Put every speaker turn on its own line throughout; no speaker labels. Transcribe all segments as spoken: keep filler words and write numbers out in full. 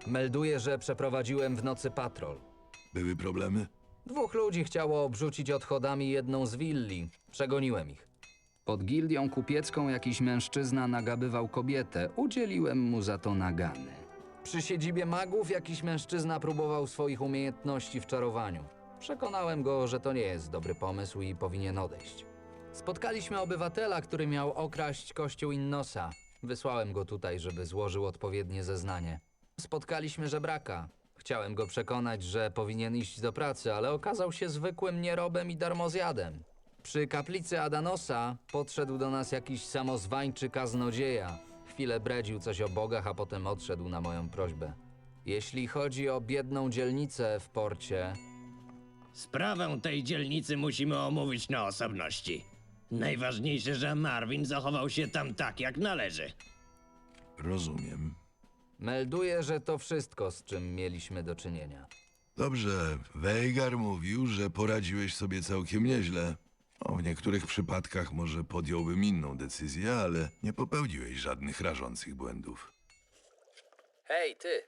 Melduję, że przeprowadziłem w nocy patrol.
Były problemy?
Dwóch ludzi chciało obrzucić odchodami jedną z willi. Przegoniłem ich. Pod gildią kupiecką jakiś mężczyzna nagabywał kobietę. Udzieliłem mu za to nagany. Przy siedzibie magów jakiś mężczyzna próbował swoich umiejętności w czarowaniu. Przekonałem go, że to nie jest dobry pomysł i powinien odejść. Spotkaliśmy obywatela, który miał okraść kościół Innosa. Wysłałem go tutaj, żeby złożył odpowiednie zeznanie. Spotkaliśmy żebraka. Chciałem go przekonać, że powinien iść do pracy, ale okazał się zwykłym nierobem i darmozjadem. Przy kaplicy Adanosa podszedł do nas jakiś samozwańczy kaznodzieja. Chwilę bredził coś o bogach, a potem odszedł na moją prośbę. Jeśli chodzi o biedną dzielnicę w porcie,
Sprawę tej dzielnicy musimy omówić na osobności. Najważniejsze, że Marvin zachował się tam tak, jak należy.
Rozumiem.
melduję, że to wszystko, z czym mieliśmy do czynienia.
Dobrze, Veigar mówił, że poradziłeś sobie całkiem nieźle. O, w niektórych przypadkach może podjąłbym inną decyzję, ale nie popełniłeś żadnych rażących błędów.
Hej, ty!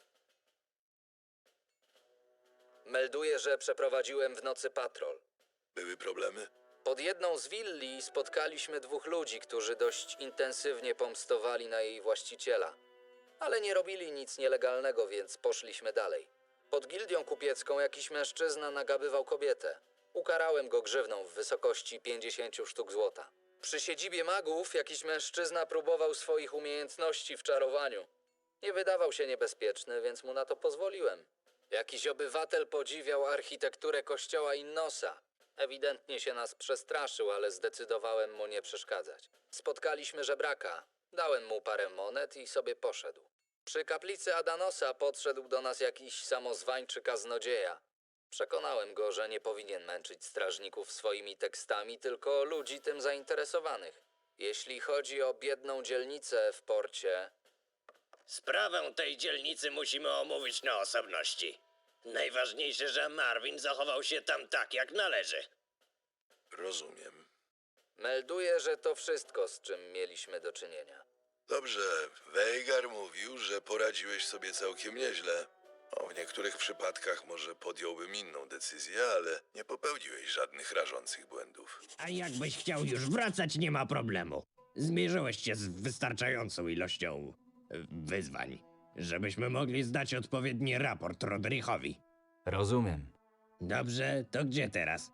Melduję, że przeprowadziłem w nocy patrol.
Były problemy?
Pod jedną z willi spotkaliśmy dwóch ludzi, którzy dość intensywnie pomstowali na jej właściciela. Ale nie robili nic nielegalnego, więc poszliśmy dalej. Pod gildią kupiecką jakiś mężczyzna nagabywał kobietę. Ukarałem go grzywną w wysokości pięćdziesięciu sztuk złota. Przy siedzibie magów jakiś mężczyzna próbował swoich umiejętności w czarowaniu. Nie wydawał się niebezpieczny, więc mu na to pozwoliłem. Jakiś obywatel podziwiał architekturę kościoła Innosa. Ewidentnie się nas przestraszył, ale zdecydowałem mu nie przeszkadzać. Spotkaliśmy żebraka. Dałem mu parę monet i sobie poszedł. Przy kaplicy Adanosa podszedł do nas jakiś samozwańczy kaznodzieja. Przekonałem go, że nie powinien męczyć strażników swoimi tekstami, tylko ludzi tym zainteresowanych. Jeśli chodzi o biedną dzielnicę w porcie,
Sprawę tej dzielnicy musimy omówić na osobności. Najważniejsze, że Marvin zachował się tam tak, jak należy.
Rozumiem.
melduję, że to wszystko, z czym mieliśmy do czynienia.
Dobrze, Veigar mówił, że poradziłeś sobie całkiem nieźle. O, w niektórych przypadkach może podjąłbym inną decyzję, ale nie popełniłeś żadnych rażących błędów.
A jakbyś chciał już wracać, nie ma problemu. Zmierzyłeś się z wystarczającą ilością e, wyzwań, żebyśmy mogli zdać odpowiedni raport Rodrichowi.
Rozumiem.
Dobrze, to gdzie teraz?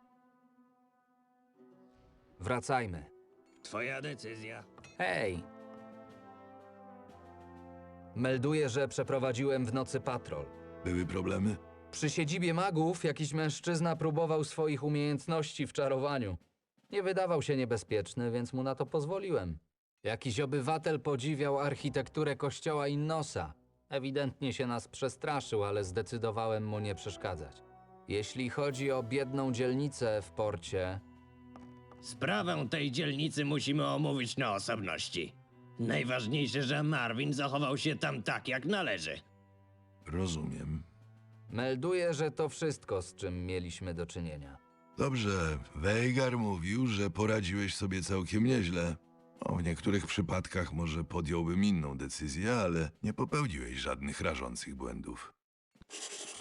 Wracajmy.
Twoja decyzja.
Hej! Melduję, że przeprowadziłem w nocy patrol.
Były problemy?
Przy siedzibie magów jakiś mężczyzna próbował swoich umiejętności w czarowaniu. Nie wydawał się niebezpieczny, więc mu na to pozwoliłem. Jakiś obywatel podziwiał architekturę kościoła Innosa. Ewidentnie się nas przestraszył, ale zdecydowałem mu nie przeszkadzać. Jeśli chodzi o biedną dzielnicę w porcie,
Sprawę tej dzielnicy musimy omówić na osobności. Najważniejsze, że Marvin zachował się tam tak, jak należy.
Rozumiem.
melduję, że to wszystko, z czym mieliśmy do czynienia.
Dobrze, Veigar mówił, że poradziłeś sobie całkiem nieźle. O, w niektórych przypadkach może podjąłbym inną decyzję, ale nie popełniłeś żadnych rażących błędów.